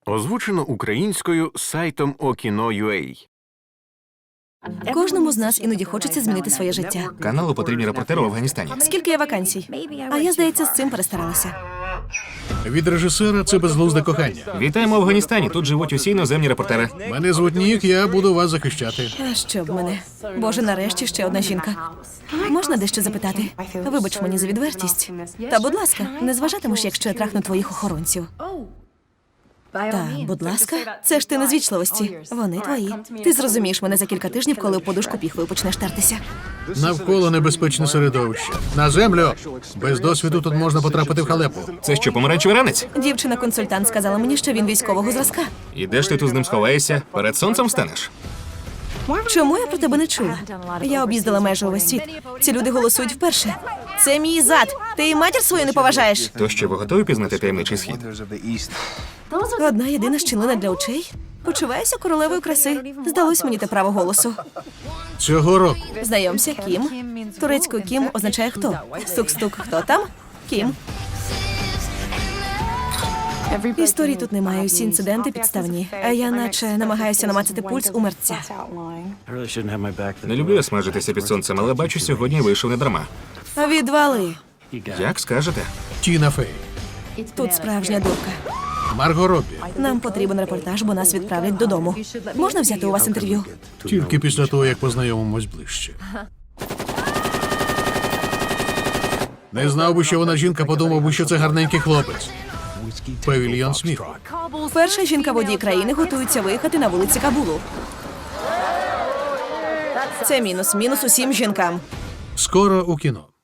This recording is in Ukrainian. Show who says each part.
Speaker 1: Озвучено українською сайтом Okino.ua.
Speaker 2: Кожному з нас іноді хочеться змінити своє життя.
Speaker 3: Каналу потрібні репортери в Афганістані.
Speaker 2: Скільки є вакансій? А я, здається, з цим перестаралася.
Speaker 4: Від режисера це безглузде кохання.
Speaker 3: Вітаємо в Афганістані. Тут живуть усі іноземні репортери.
Speaker 4: Мене звуть Нік, я буду вас захищати.
Speaker 2: А що б мене? Боже, нарешті ще одна жінка. Можна дещо запитати? Вибач мені за відвертість. Та, будь ласка, не зважатимеш, якщо я трахну твоїх охоронців. Та, будь ласка, це ж ти не з вічливості. Вони твої. Ти зрозумієш мене за кілька тижнів, коли у подушку піхвою почнеш тертися.
Speaker 4: Навколо небезпечне середовище. На землю! Без досвіду тут можна потрапити в халепу.
Speaker 3: Це що, помаранчевий ранець?
Speaker 2: Дівчина-консультант сказала мені, що він військового зразка.
Speaker 3: І де ж ти тут з ним сховаєшся? Перед сонцем станеш?
Speaker 2: Чому я про тебе не чула? Я об'їздила майже увесь світ. Ці люди голосують вперше. Це мій зад. Ти і матір свою не поважаєш?
Speaker 3: То що, ви готові пізнати таємничий схід?
Speaker 2: Одна єдина щілина для очей. Почуваюся королевою краси. Здалось мені те право голосу.
Speaker 4: Цього року
Speaker 2: Знайомся, Кім. Турецькою Кім означає хто. Стук-стук, хто там? Кім. Історії тут немає, усі інциденти підставні. А я наче намагаюся намацати пульс у мерця.
Speaker 3: Не люблю я смажитися під сонцем, але бачу, сьогодні вийшов не дарма.
Speaker 2: Відвали.
Speaker 3: Як скажете?
Speaker 4: Тіна Фей,
Speaker 2: Тут справжня дурка.
Speaker 4: Марго Роббі.
Speaker 2: Нам потрібен репортаж, бо нас відправлять додому. Можна взяти у вас інтерв'ю?
Speaker 4: Тільки після того, як познайомимось ближче. Не знав би, що вона жінка, подумав би, що це гарненький хлопець. Павільйон сміху.
Speaker 2: Перша жінка-водій країни готується виїхати на вулиці Кабулу. Це мінус. Мінус усім жінкам.
Speaker 4: Скоро у кіно.